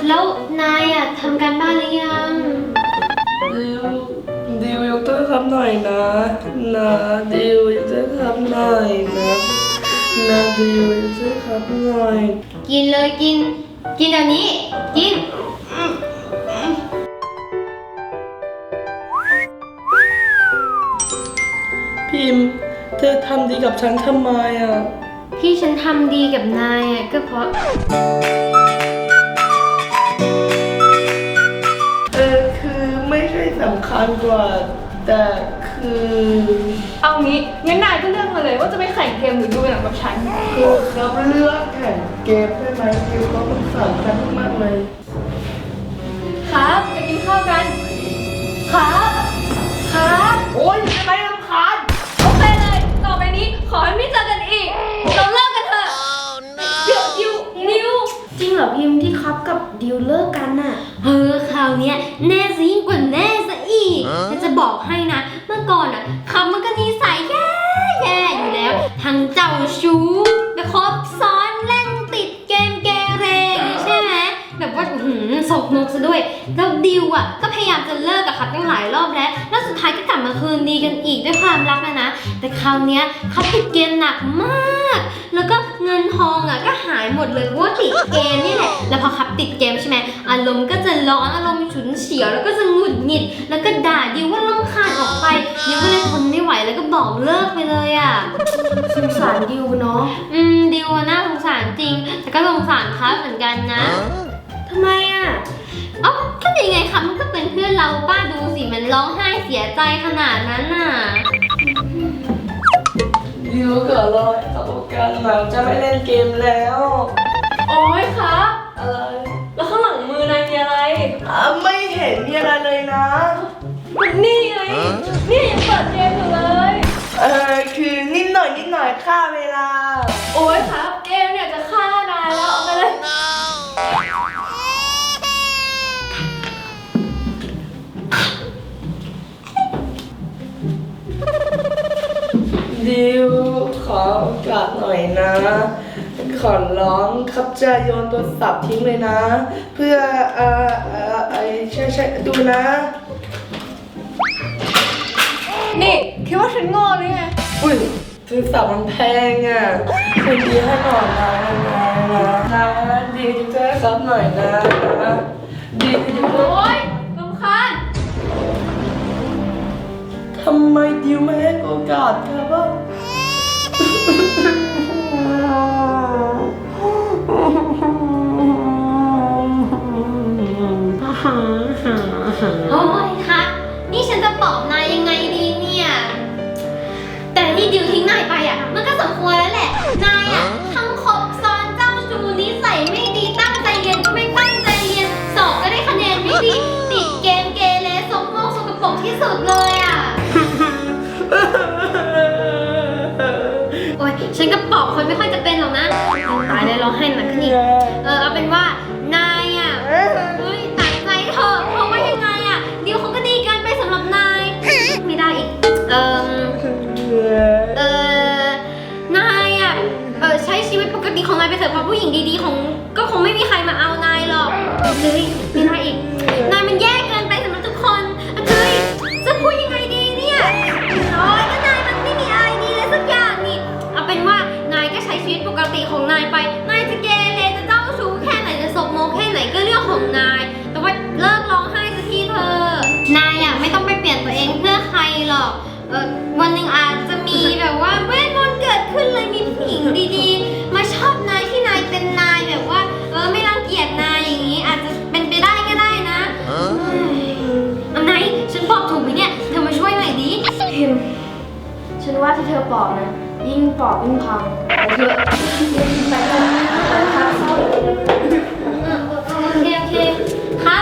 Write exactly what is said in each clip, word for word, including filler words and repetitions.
แล้วนายอะทำการบ้านหรือยังดิวดิวยกโทรศัพท์หน่อยนะนะดิวยกโทรศัพท์หน่อยนะนะดิวยกโทรศัพท์หน่อยกินเลยกิน กินเดี๋ยวนี้ กินพิมพ์เธอทำดีกับฉันทำไมอ่ะที่ฉันทำดีกับนายอะก็เพราะเออคือไม่ใช่สำคัญกว่า แต่คือเอางี้งั้นนายก็เลือกมาเลยว่าจะไปแข่งเกมหรือดูหนังกับฉันคือครับเลือกแข่งเกมได้ไหมดิวเขาสงสารฉันมากเลยครับไปกินข้าวกัน ครับครับโอ๊ยทำไมรำคาญโอเคเลย ต่อไปนี้ขอให้ไม่เจอกันอีก เราเลิกกันเถอะเดี๋ยวดิวดิวจริงเหรอพิมพ์ที่ครับกับดิวเลิกกันน่ะเออคราวเนี้ยแน่ซะยิ่งกว่าแน่ซะอีกฉันจะบอกให้นะ เมื่อก่อนอ่ะครับมันก็นิสัยแย่แย่อยู่แล้ว ทั้งเจ้าชู้ไปคบซ้อนเล่นติดเกมเกเรอย่างนี้ใช่ไหมแบบว่าหืมสกมกซะด้วยแล้วดิวอ่ะก็พยายามจะเลิกกับครับตั้งหลายรอบแล้วแล้วสุดท้ายก็กลับมาคืนดีกันอีกด้วยความรักนะนะแต่คราวเนี้ยเขาติดเกมหนักมาก แล้วก็เงินทองอ่ะก็หายหมดเลยเพราะว่าติดเกมนี่แหละ แล้วพอขับติดเกมใช่ไหมอารมณ์ก็จะร้อนอารมณ์ฉุนเฉียวแล้วก็จะหงุดหงิด แล้วก็ด่าดิวว่ารำคาญออกไปดิวก็เลยทนไม่ไหวแล้วก็บอกเลิกไปเลยอ่ะสงสารดิวเนาะอืมดิวน่าสงสารจริง แต่ก็สงสารครับเหมือนกันนะทำไมอ่ะเอ้าก็ยังไงครับมันก็เป็นเพื่อนเราป้าดูสิมันร้องไห้เสียใจขนาดนั้นน่ะดิวก็รอให้เขาประกันหลังจะไม่เล่นเกมแล้วโอ้ยครับอะไรแล้วข้างหลังมือนายมีอะไรอ่ะไม่เห็นมีอะไรเลยนะนี่ไง นี่ยังเปิดเกมอยู่เลยเออคือนิดหน่อยนิดหน่อยค่าเวลาโอ้ยครับ เกมเนี่ยจะฆ่านายแล้วเอาไปเลยดิวขอโอกาสหน่อยนะ ขอร้องครับจะโยนโทรศัพท์ทิ้งเลยนะ เพื่อเอ่อเอ่อไอใช่ใช่ดูนะนี่คิดว่าฉันโง่หรือไงอุ้ยโทรศัพท์มันแพงอ่ะคืนดีให้หน่อยนะนะนะนะดิวจะช่วยครับหน่อยนะนะดิวจะช่วยโอ๊ยรำคาญทำไมดิวไม่ให้โอกาสครับว่าโอ้ยคะนี่ฉันจะปลอบนายยังไงดีเนี่ย แต่ที่ดิวทิ้งนายไปอ่ะ มันก็สมควรแล้วแหละ นายอ่ะทั้งคบซ้อนเจ้าชู้นิสัยไม่ดีตั้งใจเรียนก็ไม่ตั้งใจเรียน สอบก็ได้คะแนนไม่ดี ติดเกมเกเรซกโมกสกปรกที่สุดเลยอ่ะ โอ๊ยฉันก็ปลอบคนไม่ค่อยจะเป็นหรอกนะตายเลยร้องไห้หนักขึ้นอีก เออเอาเป็นว่านายอ่ะเฮ้ยตัดใจเถอะเพราะว่ายังไงอ่ะเดี๋ยวเขาก็ดีเกันไปสำหรับนายไม่ได้อีกเออเออนายอ่ะเออใช้ชีวิตปกติของนายไปเถอะเพราะผู้หญิงดีๆของก็คงไม่มีใครมาเอานายหรอกเฮ้ยไม่ได้อีกนายมันแย่เกินไปสำหรับทุกคนเฮ้ยจะพูดยังไงดีเนี่ยโอ๊ยก็นายมันไม่มีอะไรดีเลยสักอย่างนี่เอาเป็นว่านายก็ใช้ชีวิตปกติของนายไปนายจะเกเรจะเจ้าชู้แค่ไหนจะสกโมกแค่ไหนก็เรื่องของนายแต่ว่าเลิกร้องไห้สักทีเถอะนายอ่ะไม่ต้องไปเปลี่ยนตัวเองเพื่อใครหรอกเออวันหนึ่งอาจจะมีแบบว่าเวทมนต์เกิดขึ้นเลยมีผู้หญิงดีๆมาชอบนายที่นายเป็นนายแบบว่าเออไม่รังเกียจนายอย่างนี้อาจจะเป็นไปได้ก็ได้นะอันไหนฉันบอกถูกไหมเนี่ยเธอมาช่วยหน่อยดิพิมพ์ฉันว่าที่เธอปอกนะยิ่งปอกยิ่งพังไปเถอะไปเถอะไปพักเศร้าโอเคโอเคครับ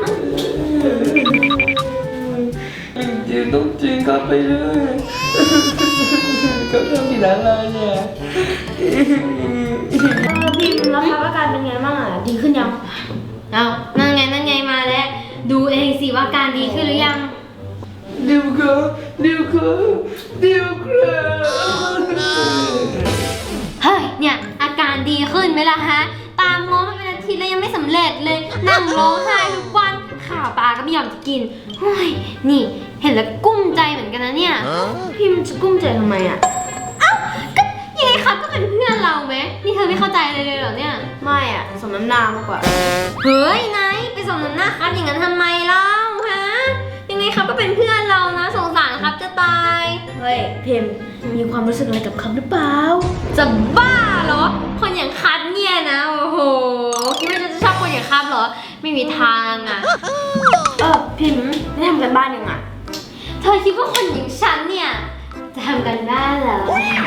จริงต้องจริงครับไปเลยเขาทำผิดอะไรเนี่ยเออพิมพ์แล้วครับอาการเป็นไงบ้างอ่ะดีขึ้นยังเอานั่นไงนั่นไงมาแล้วดูเองสิว่าการดีขึ้นหรือยังดิวครับดิวครับดิวครับเฮ้ยเนี่ยอาการดีขึ้นไหมล่ะฮะตามง้อมาเป็นอาทีแล้วยังไม่สำเร็จเลยนั่งร้องไห้ทุกวันข้าวปลาก็ไม่ยอมจะกินเฮ้ยนี่เห็นแล้วกุ้มใจเหมือนกันนะเนี่ยพิมพ์จะกุ้มใจทำไมอ่ะยังไงครับก็เป็นเพื่อนเราไหมนี่เธอไม่เข้าใจเลยเลยเหรอเนี่ยไม่อ่ะ สมน้ำหน้ามากกว่าเฮ้ยนายไปสมน้ำหน้าครับอย่างนั้นทำไมเล่าฮะยังไงครับก็เป็นเพื่อนเรานะสงสารครับจะตายเฮ้ยพิมพ์มีความรู้สึกอะไรกับคำหรือเปล่าจะบ้าเหรอคนอย่างคัทเนี่ยนะโอ้โหคิดว่าจะชอบคนอย่างคัทเหรอไม่มีทางอ่ะเออพิมพ์ได้ทำกันบ้านยังอ่ะเธอคิดว่าคนอย่างฉันเนี่ยจะทำกันบ้านเหรอ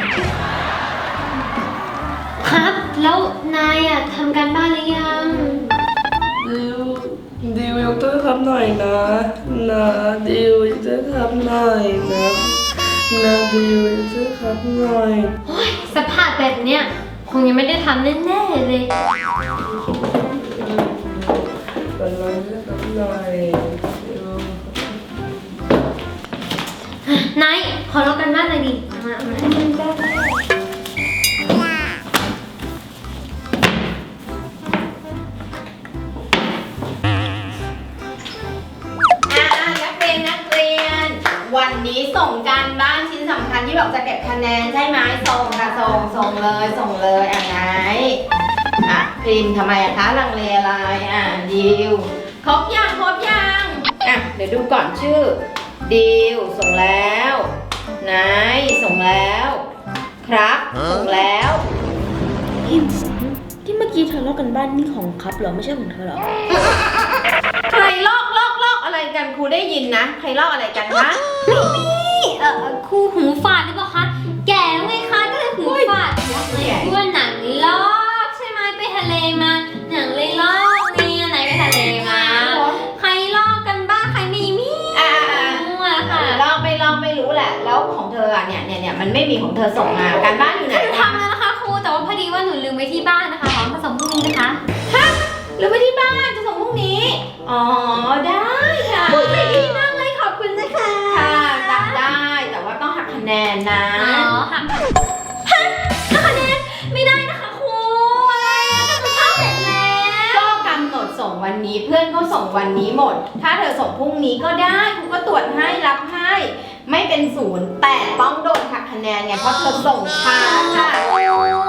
ครับแล้วนายอ่ะทำการบ้านหรือยังดิวดิวยกโทษครับหน่อยนะนะดิวยกโทษครับหน่อยนะนะดิวยกโทษครับหน่อยโอ้ยสภาพแบบเนี้ยคงยังไม่ได้ทำแน่ๆเลยเป็นไรครับหน่อยดิวนายขอลองกันบ้านหน่อยดิมามาให้มันได้อ่านักเรียนนักเรียน วันนี้ส่งการบ้านชิ้นสำคัญที่บอกจะเก็บคะแนนใช่ไหมส่งค่ะส่งส่งเลยส่งเลยอ่ะไหนอ่ะพิมพ์ทำไมอะคะลังเลอะไรอ่ะดิวครบยังครบยังอ่ะเดี๋ยวดูก่อนชื่อดิวส่งแล้วนายส่งแล้วครับส่งแล้วพิมพ์ที่เมื่อกี้เธอลอกกันบ้านนี่ของครับเหรอไม่ใช่ของเธอเหรอใครลอกลอกลอกอะไรกันครูได้ยินนะใครลอกอะไรกันคะนี่เอ่อครูหูฝาดหรือเปล่าคะแก่แล้วไงคะก็เลยหูฝาดเลยเพื่อนหนังลอกใช่ไหมไปทะเลมาหนังเลยลอกเนี่ยไหนไปทะเลมาใครลอกกันบ้างใครไม่มีอ่ามั่วค่ะลอกไม่ลอกไม่รู้แหละ แล้วของเธออ่ะเนี่ยเนี่ยเนี่ยมันไม่มีของเธอส่งมาการบ้านอยู่ไหนหนูทำแล้วนะคะครูแต่ว่าพอดีว่าหนูลืมไว้ที่บ้านนะคะขอมาส่งพรุ่งนี้นะคะหรือไปที่บ้านจะส่งพรุ่งนี้ อ๋อได้ค่ะครูใจดีมากเลยขอบคุณนะคะค่ะจับได้แต่ว่าต้องหักคะแนนนะอ๋อหักฮะหักคะแนนไม่ได้นะคะครูอะไรอะก็คือทำเสร็จแล้วก็กำหนดส่งวันนี้เพื่อนก็ส่งวันนี้หมด ถ้าเธอส่งพรุ่งนี้ก็ได้ครูก็ตรวจให้รับให้ ไม่เป็นศูนย์แต่ต้องโดนหักคะแนนไงเพราะเธอส่งช้าค่ะ ไม่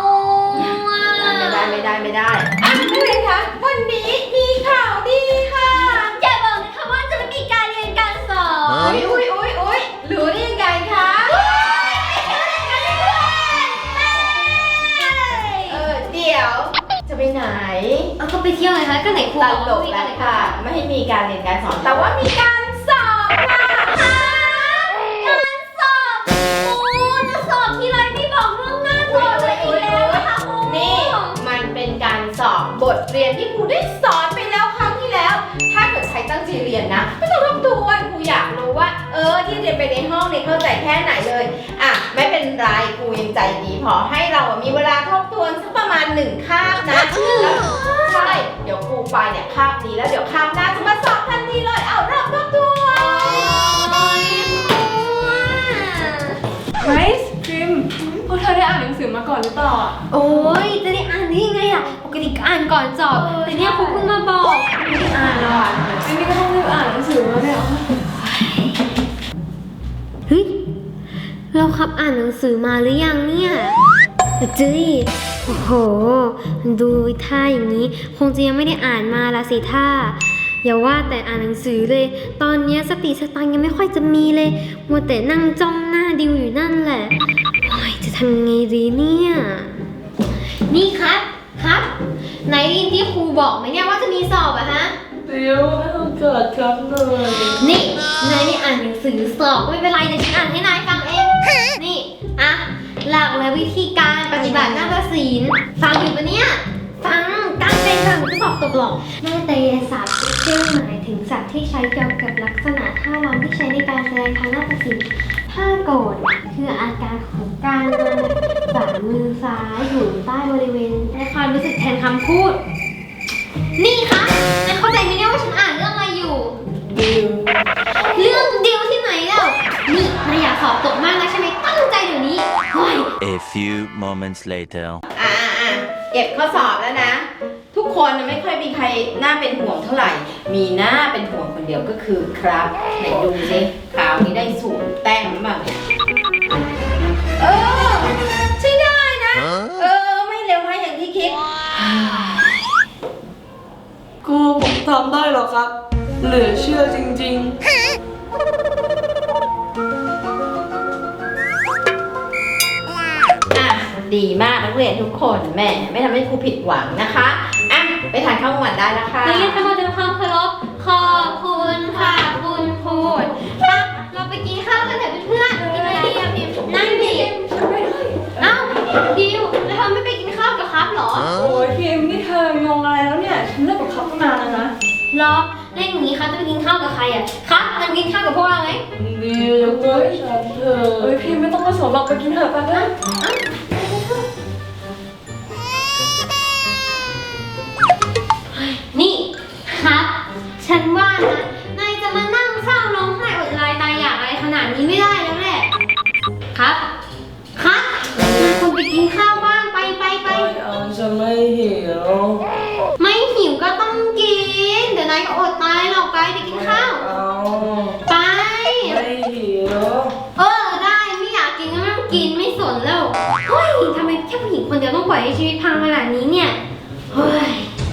ได้ไม่ได้ไม่ได้อ่ะนักเรียนคะวันนี้มีข่าวดีค่ะอย่าบอกนะคะว่าจะไม่มีการเรียนการสอนอุ้ยอุ้ยอุ้ยอุ้ยรู้ได้ยังไงคะเออเดี๋ยวจะไปไหนเอาก็ไปเที่ยวไงคะก็ไหนครูตบอกลว่าก ไม่มีแล้การวเรียนค่ะ ไม่ให้มีการเรียนการสอนแต่ว่ามีการสอบค่ะการสอบครูจะสอบทีไรไม่บอกเรื่องหน้าสอบเลยอีกแล้วนะคะครูนี่มันเป็นการสอบบทเรียนที่ครูได้สอนไปแล้วครั้งที่แล้ว ถ้าเกิดใครตั้งใจเรียนนะไม่ต้องทบทวนครูอยากรู้ว่า เออที่เรียนไปในห้องเนี่ยเข้าใจแค่ไหนเลยอ่ะไม่เป็นไรครูยังใจดีพอให้เราอ่ะมีเวลาทบทวนสักประมาณหนึ่งคาบนะแล้วใช่เดี๋ยวครูไปเนี่ยคาบนี้แล้วเดี๋ยวคาบหน้าจะมาสอบทันทีเลยเอาเริ่มทบทวนไนซ์พิมพ์พวกเธอได้อ่านหนังสือมาก่อนหรือเปล่าอ่ะโอ้ยจะได้อ่านได้ยังไงอะปกติก็อ่านก่อนสอบแต่เนี่ยครูเพิ่งมาบอกไม่ได้อ่านหรอกไม่นี่ก็ต้องรีบอ่านหนังสือมาเนี่ยเฮ้ยเราครับอ่านหนังสือมาหรือยังเนี่ยจื้ยโอ้โหดูท่าอย่างนี้คงจะยังไม่ได้อ่านมาละสิท่าอย่าว่าแต่อ่านหนังสือเลย ตอนเนี้ยสติสตังค์ยังไม่ค่อยจะมีเลยมัวแต่นั่งจ้องหน้าดิวอยู่นั่นแหละโอ้ยจะทำยังไงดีเนี่ยนี่ครับครับไหนได้ยินที่ครูบอกไหมเนี่ยว่าจะมีสอบอะฮะดิวให้โอกาสครับหน่อยนี่นายไม่อ่านหนังสือสอบก็ไม่เป็นไรเดี๋ยวฉันอ่านให้นายฟังเอง นี่อะหลักและวิธีการปฏิบัติหน้าฏศิลป์ฟังอยู่ปะเนี่ย ฟังตั้งใจฟังจะสอบตกหรอกหน้าตยศาสตร์เป็นเครื่องหมายถึงสัตว์ที่ใช้เกี่ยวกับลักษณะท่ารำที่ใช้ในการแสดงทางหน้าฏศิลป์ท่าโกรธคืออาการของการนำฝ่ามือซ้ายอยู่ใต้บริเวณและความรู้สึกแทนคำพูด นี่คะนายเข้าใจไหมเนี่ยว่าฉันอ่านเรื่องอะไรอยู่ดิวเรื่องเดียวที่ไหนแล้ว นี่นายอยากสอบตกมากนะใช่ไหมตั้งใจเดี๋ยวนี้โอ้ย A few moments later. อ่าอ่าเก็บข้อสอบแล้วนะ ทุกคนน่ะไม่ค่อยมีใครน่าเป็นห่วงเท่าไหร่ มีหน้าเป็นห่วงคนเดียวก็คือครับไหนดูสิข่าวนี้ได้ศูนย์แต้มหรือเปล่าเนี่ยเออใช่ได้นะเออไม่เลวร้ายอย่างที่คิดครูผมทำได้เหรอครับ เหลือเชื่อจริงๆอ่ะดีมากนักเรียนทุกคนแหม่ไม่ทำให้ครูผิดหวังนะคะอ่ะไปทานข้าวกลางวันได้แล้วค่ะนักเรียนทั้งหมดทำความเคารพขอบคุณค่ะคุณครูมาเราไปกินข้าวกันเถอะเพื่อนๆกินอะไรดีอะพิมนั่งดิเอ้าดิวแล้วเธอไม่ไปกินข้าวกับครับเหรอโอ้ยพิมพ์นี่เธองงอะไรแล้วเนี่ย ฉันเลิกกับเขาตั้งนานแล้วนะรอเล่นอย่างนี้ครับจะไปกินข้าวกับใครอ่ะครับมันกินข้าวกับพวกเราไหมดิวยกมือให้ฉันเถอะเอ้ยพิมพ์ไม่ต้องมาสนหรอกไปกินเถอะไปนะนี่ครับ ฉันว่านะนายจะมานั่งเศร้าร้องไห้อดลายตายอยากอะไรขนาดนี้ไม่ได้แล้วแหละครับครับนายควรไปกินข้าวบ้างไปไปไปไม่เอาฉันไม่หิวไม่หิวก็ต้องกิน เดี๋ยวนายก็อดตายหรอกไปไปกินข้าวเอาไปไม่หิวเออได้ไม่อยากกินก็ไม่ต้องกินไม่สนแล้วเฮ้ยทำไมแค่ผู้หญิงคนเดียวต้องปล่อยให้ชีวิตพังขนาดนี้เนี่ยเฮ้ย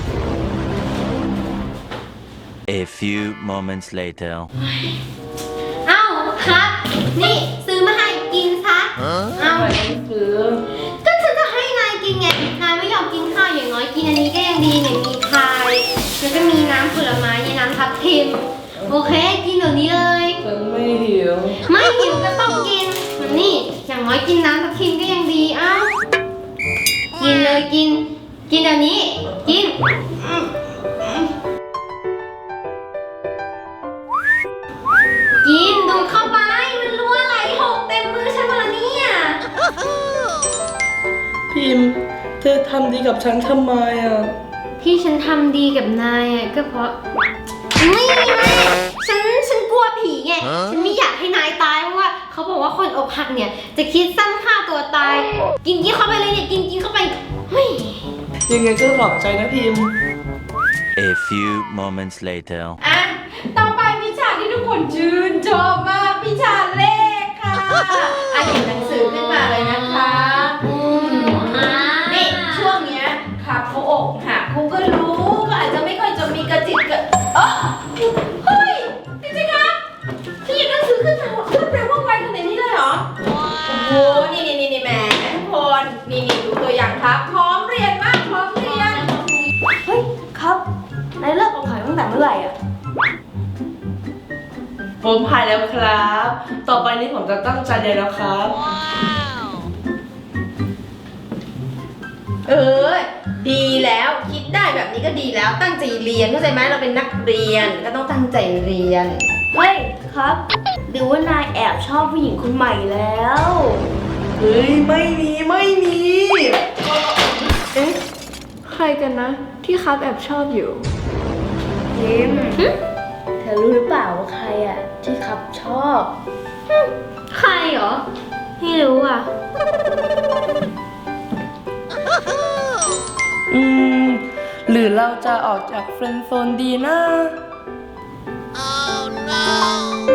A few moments later. เอ้าครับ นี่ซื้อมาให้กินซะเอ้าไม่ซื้อก็ฉันจะให้นายกินไงนายไม่ยอมกินข้าวอย่างน้อยกินอันนี้ก็ยังดีเนี่ยมีพายแล้วก็มีน้ำผลไม้ในน้ำทับทิมโอเคกินเดี๋ยวนี้เลยฉันไม่หิวไม่หิวก็ต้องกินนี่อย่างน้อยกินน้ำทับทิมก็ยังดีเอ้ากินเลยกิน กินเดี๋ยวนี้กินกินดูเข้าไปมันรั่วไหลหกเต็มมือฉันหมดแล้วเนี่ยพิมพ์ เธอทำดีกับฉันทำไมอ่ะที่ฉันทำดีกับนายอ่ะก็เพราะไม่ไม่ฉันฉันกลัวผีไงฉันไม่อยากให้นายตายเพราะว่าเขาบอกว่าคนอกหักเนี่ยจะคิดสั้นฆ่าตัวตาย กินกินเข้าไปเลยเนี่ยกินกินเข้าไปเฮ้ยยังไงก็ขอบใจนะพิมพ์ A few moments later. อ่ะต่อไปวิชาที่ทุกคนชื่นชอบมากวิชาเลขค่ะอ่ะหยิบหนังสือขึ้นมาเลยนะคะอืมอ่านี่ช่วงเนี้ยค่ะเขาอกหักครูก็รู้ก็อาจจะไม่ค่อยจะมีกระจิตกระเออเฮ้ยจริงๆครับพี่หยิบหนังสือขึ้นมาขึ้นแปลว่าไวขนาดนี้เลยเหรอโอ้โหนี่นี่นี่นี่แหมทุกคนนี่นี่ดูตัวอย่างครับพร้อมเรียนมากพร้อมเรียนเฮ้ยครับนายเลิกกับไผ่ตั้งแต่เมื่อไหร่อ่ะผมหายแล้วครับ ต่อไปนี้ผมจะตั้งใจเรียนแล้วครับเออ ดีแล้วคิดได้แบบนี้ก็ดีแล้วตั้งใจเรียนเข้าใจไหมเราเป็นนักเรียนก็ต้องตั้งใจเรียนเฮ้ยครับ หรือว่านายแอบชอบผู้หญิงคนใหม่แล้วเฮ้ย ไม่มีไม่มีเอ๊ะ ใครกันนะ ที่ครับแอบชอบอยู่พิมเธอรู้หรือเปล่าว่าใครอ่ะ ที่ครับชอบใครเหรอไม่รู้อ่ะอืม หรือเราจะออกจากเฟรนด์โซนดีนะ Oh no!